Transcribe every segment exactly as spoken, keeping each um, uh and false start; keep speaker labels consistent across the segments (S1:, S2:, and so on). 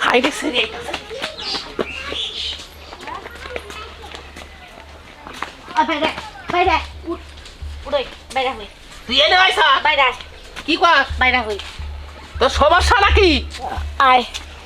S1: হাইরে সেরে
S2: বাইরে বাইরে উড়ই বাইরে হই
S1: তুই এনে আইসা
S2: বাইরে
S1: কি কর
S2: বাইরে হই
S1: তোর সমস্যা নাকি
S2: আয়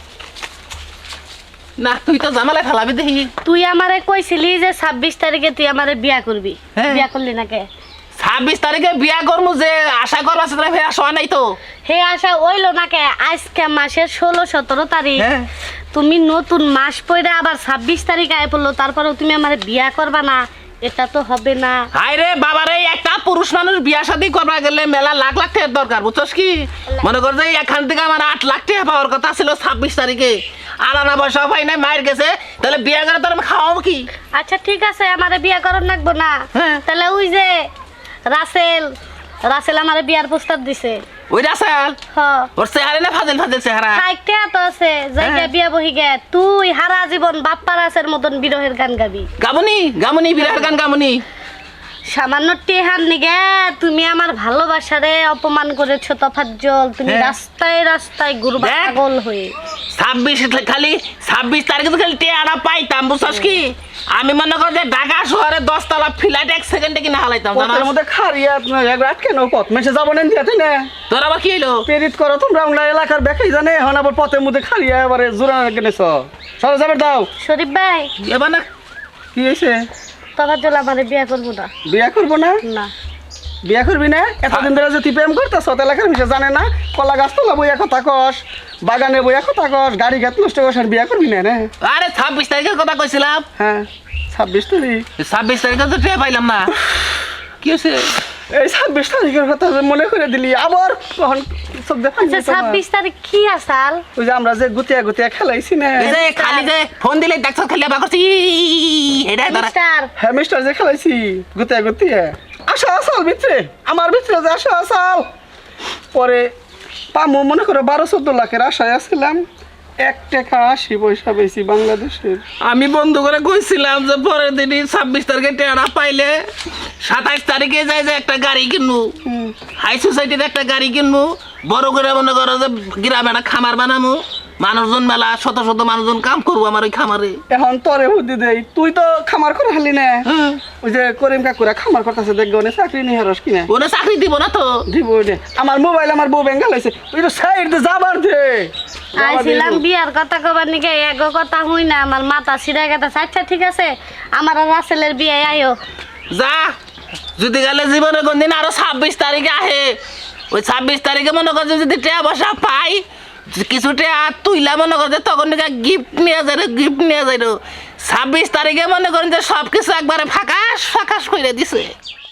S1: না তুই তো জামালে ফেলাবি দেখি
S2: তুই আমারে কইছিলি যে ছাব্বিশ তারিখে তুই আমারে বিয়া করবি বিয়া করলি না কে
S1: ছাব্বিশ তারিখে বিয়া করবো যে আশা করবো সেটা ফের আসা নাই তো
S2: হে আশা ওইলো না কে আজকে মাসের ষোলো সতেরো তারিখ
S1: হ্যাঁ।
S2: তুমি নতুন মাস পরে আবার ছাব্বিশ তারিখ আয় পড়লো তারপরেও তুমি আমারে বিয়া করবা না এটা তো হবে না
S1: হাই রে বাবারে একটা পুরুষ মানুষ বিয়া শাদী করবা গেলে মেলা লাখ লাখ টাকার দরকার বুঝছস কি মনে কর যে এখান থেকে আমার আট লাখ টাকা পাওয়ার কথা ছিল ছাব্বিশ তারিখে আর আনা পয়সা পাই নাই মায়ের গেছে তাহলে বিয়া করে তোর আমি খাওয়াবো কি
S2: আচ্ছা ঠিক আছে আমারে বিয়া করার লাগবো না
S1: হ্যাঁ।
S2: তাহলে ওই যে রাসেল রাসেল আমারে বিয়ার প্রস্তাব দিছে
S1: ওই রাসাল
S2: হ
S1: ওর চেহারা না ফাজিল ফাজিল চেহারা
S2: খাইতে তো আছে জায়গা
S1: হ্যাঁ।
S2: বিয়া বহি গে তুই হারা জীবন বাপ্পা রাসের মতন বিরহের গান গাবি
S1: গামুনি গামুনি বিরাট গান গামুনি
S2: সামান্য টেহার নিগে তুমি আমার ভালোবাসারে অপমান করেছো তফাজ্জল তুমি
S1: হ্যাঁ।
S2: রাস্তায় রাস্তায় ঘুরবা
S1: দেখ।
S2: পাগল হয়ে
S1: ছাব্বিশ খালি ছাব্বিশ তারিখে তো খালি টেয়ারা পাইতাম বুঝছস কি আমি মনে কর যে ঢাকা শহরে দশতলা ফ্ল্যাট এক সেকেন্ডে কিনা হালাইতাম জানাস
S3: পথের মধ্যে খারিয়া আপনার এক রাত কেন পথ মেসে যাবো না দিয়াতে না
S1: তোর আবার কি হইলো
S3: পেরিত করো তোমরা আমরা এলাকার বেকাই জানে এখন আবার পথের মধ্যে খারিয়া এবারে জোড়া কিনেছ সরে যাবে দাও
S2: শরীফ ভাই
S1: এবার না
S3: কি হয়েছে
S2: তফাজ্জল আমারে বিয়া করবো না
S3: বিয়া করবো না
S2: না
S3: বিয়া করবি না এতদিন ধরে যে তুই প্রেম করতেছ এলাকার মিশে জানে না কলা গাছ তোলা বইয়া কথা কস বাগানে বইয়া কথা কস গাড়ি ঘাট নষ্ট কস আর বিয়া করবি না রে
S1: আরে ছাব্বিশ তারিখের কথা কইছিলাম
S3: হ্যাঁ ছাব্বিশ তারিখ
S1: ছাব্বিশ তারিখে তো টেয়া পাইলাম না কি হয়েছে
S3: এই ছাব্বিশ তারিখের কথা মনে করে দিলি আবার কখন সব দেখা
S2: আচ্ছা ছাব্বিশ তারিখ কি আসাল
S3: ওই যে আমরা যে গুতিয়া গুতিয়া খেলাইছি না
S1: এই যে খালি যে ফোন দিলে দেখছ খালি আবার করছি এটা ধরা
S2: মিস্টার
S3: হ্যাঁ মিস্টার যে খেলাইছি গুতিয়া গুতিয়া আসা আসাল ভিতরে আমার ভিতরে যে আসা আসাল পরে পামো মনে করো বারো চোদ্দ লাখের আশায় আসছিলাম এক টাকা আশি পয়সা বেশি বাংলাদেশের
S1: আমি বন্ধু করে কইছিলাম যে পরের দিনই ছাব্বিশ তারিখে টেয়ারা পাইলে সাতাইশ তারিখে যাই যে একটা গাড়ি কিনবো হাই সোসাইটির একটা গাড়ি কিনবো বড় করে মনে করো যে গ্রামে একটা খামার বানাবো মানুষজন মেলা শত শত মানুষজন কাম করবো আমার ওই খামারে
S3: এখন তোরে বুদ্ধি দেই তুই তো খামার করে হালি না ওই যে করিম কাকুরা খামার করতেছে দেখবে ওনে চাকরি নিয়ে হারস কিনা
S1: ওরা চাকরি দিব না তো
S3: দিব ওনে আমার মোবাইল আমার বউ বেঙ্গাল হয়েছে ওই তো সাইড দিয়ে যাবার দে
S2: আইছিলাম বিয়ার কথা কবার নিকে এগো কথা হই না আমার মাথা সিরা গেছে আচ্ছা ঠিক আছে আমার আর রাসেলের বিয়ে আইও
S1: যা যদি গেলে জীবনে কোনদিন আরো ছাব্বিশ তারিখে আহে ওই ছাব্বিশ তারিখে মনে করছে যদি টেয়া বসা পাই কিছু টেয়া তুইলা মনে করছে তখন গিফট নিয়ে যায় গিফট নিয়ে যায় ছাব্বিশ তারিখে মনে করেন যে সব কিছু একবারে ফাঁকাশ ফাঁকাশ করে দিছে।